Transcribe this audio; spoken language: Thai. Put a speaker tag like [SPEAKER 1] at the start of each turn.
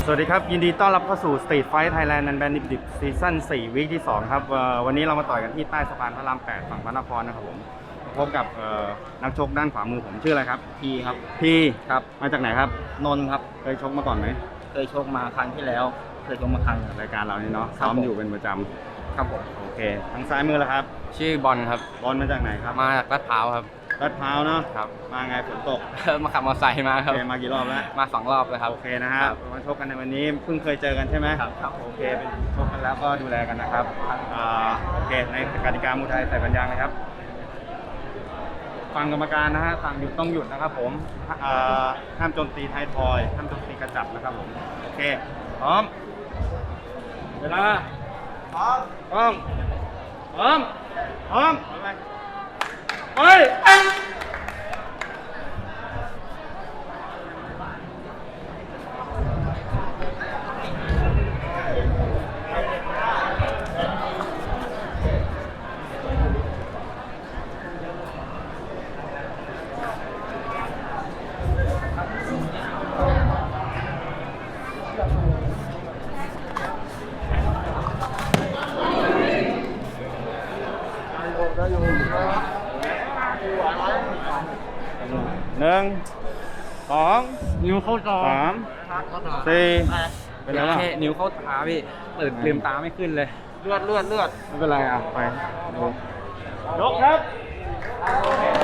[SPEAKER 1] สวัสดีครับยินดีต้อนรับเข้าสู่ Street Fight Thailand นันแบนดิบซีซั่น4วีคที่2ครับวันนี้เรามาต่อยกันที่ใต้สะพานพระราม8ฝั่งพระนครนะครับผมพบกับนักชกด้านขวามือผมชื่ออะไรครับ
[SPEAKER 2] พีครับ
[SPEAKER 1] พี
[SPEAKER 2] ครับ
[SPEAKER 1] มาจากไหนครับ
[SPEAKER 2] นนท์ครับ
[SPEAKER 1] เคยชกมาก่อนไหม
[SPEAKER 2] เคยชกมาครั้งที่แล้วเคยชกมาครั้ง
[SPEAKER 1] รายการเรานี่เนาะซ้อมอยู่เป็นประจำ
[SPEAKER 2] ครับผม
[SPEAKER 1] โอเคทางซ้ายมือแล้วครับ
[SPEAKER 3] ชื่อบอลครับ
[SPEAKER 1] บอลมาจากไหนครับ
[SPEAKER 3] มาจากลาดพร้าวครับ
[SPEAKER 1] ลาดพร้าวเนาะ
[SPEAKER 3] ครับ
[SPEAKER 1] มาไงฝนตก
[SPEAKER 3] มาขับมอเตอร์ไซค์มาครับ
[SPEAKER 1] โอเคมากี่รอบแล้ว
[SPEAKER 3] มา2 รอบเลยครับ
[SPEAKER 1] โอเคนะฮะมาชกกันในวันนี้เพิ่งเคยเจอกันใช่ไหม
[SPEAKER 3] ครับ
[SPEAKER 1] โอเคเป็นชกกันแล้วก็ดูแลกันนะครับโอเคในกติกามวยไทยใส่ปัญญาเลยครับฟังกรรมการนะฮะสั่งหยุดต้องหยุดนะครับผมห้ามโจมตีไทยทอยห้ามโจมตีกระจับนะครับผมโอเคพร้อมเวลาพร้อมพร้อมพร้อมพร้อมไป1 2
[SPEAKER 3] นิ้วเข้าจอ
[SPEAKER 1] 3 4เป็นไรบ้าง
[SPEAKER 3] แค่นิ้วเข้าตาพี่ลืมตาไม่ขึ้นเลย
[SPEAKER 2] เลือด
[SPEAKER 1] ไม่เป็นไรอ่ะไปดูยกครับโอเค